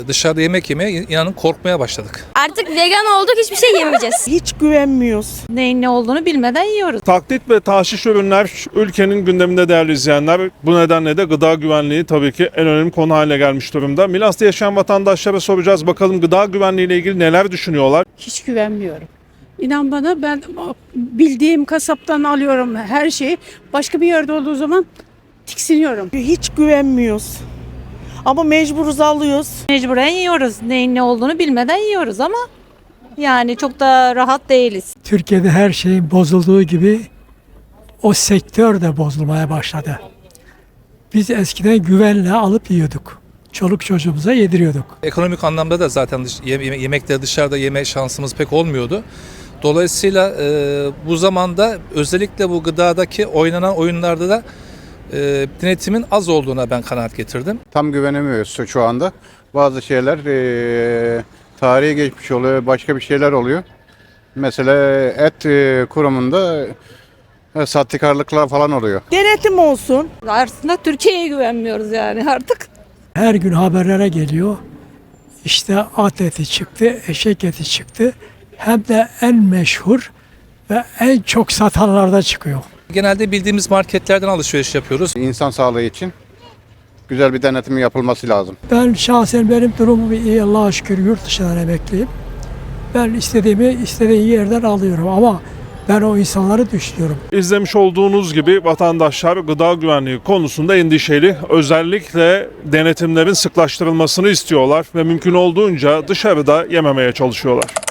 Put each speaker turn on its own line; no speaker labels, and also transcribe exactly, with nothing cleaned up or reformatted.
Dışarıda yemek yemeye inanın korkmaya başladık.
Artık vegan olduk, hiçbir şey yemeyeceğiz.
Hiç güvenmiyoruz.
Neyin ne olduğunu bilmeden yiyoruz.
Taklit ve taşiş ürünler ülkenin gündeminde değerli izleyenler. Bu nedenle de gıda güvenliği tabii ki en önemli konu haline gelmiş durumda. Milas'ta yaşayan vatandaşlara soracağız. Bakalım gıda güvenliği ile ilgili neler düşünüyorlar?
Hiç güvenmiyorum. İnan bana, ben bildiğim kasaptan alıyorum her şeyi. Başka bir yerde olduğu zaman tiksiniyorum.
Hiç güvenmiyoruz. Ama mecburuz, alıyoruz.
Mecburen yiyoruz. Neyin ne olduğunu bilmeden yiyoruz ama yani çok da rahat değiliz.
Türkiye'de her şeyin bozulduğu gibi o sektör de bozulmaya başladı. Biz eskiden güvenle alıp yiyorduk. Çoluk çocuğumuza yediriyorduk.
Ekonomik anlamda da zaten dış, yeme, yemekleri dışarıda yeme şansımız pek olmuyordu. Dolayısıyla e, bu zamanda özellikle bu gıdadaki oynanan oyunlarda da e, denetimin az olduğuna ben kanaat getirdim.
Tam güvenemiyoruz şu anda. Bazı şeyler e, tarihe geçmiş oluyor, başka bir şeyler oluyor. Mesela et e, kurumunda e, sahtekarlıklar falan oluyor.
Denetim olsun.
Aslında Türkiye'ye güvenmiyoruz yani artık.
Her gün haberlere geliyor. İşte at eti çıktı, eşek eti çıktı. Hem de en meşhur ve en çok satanlarda çıkıyor.
Genelde bildiğimiz marketlerden alışveriş yapıyoruz.
İnsan sağlığı için güzel bir denetim yapılması lazım.
Ben şahsen benim durumum iyi, Allah'a şükür yurt dışından emekliyim. Ben istediğimi istediğim yerden alıyorum ama ben o insanları düşünüyorum.
İzlemiş olduğunuz gibi vatandaşlar gıda güvenliği konusunda endişeli. Özellikle denetimlerin sıklaştırılmasını istiyorlar ve mümkün olduğunca dışarıda yememeye çalışıyorlar.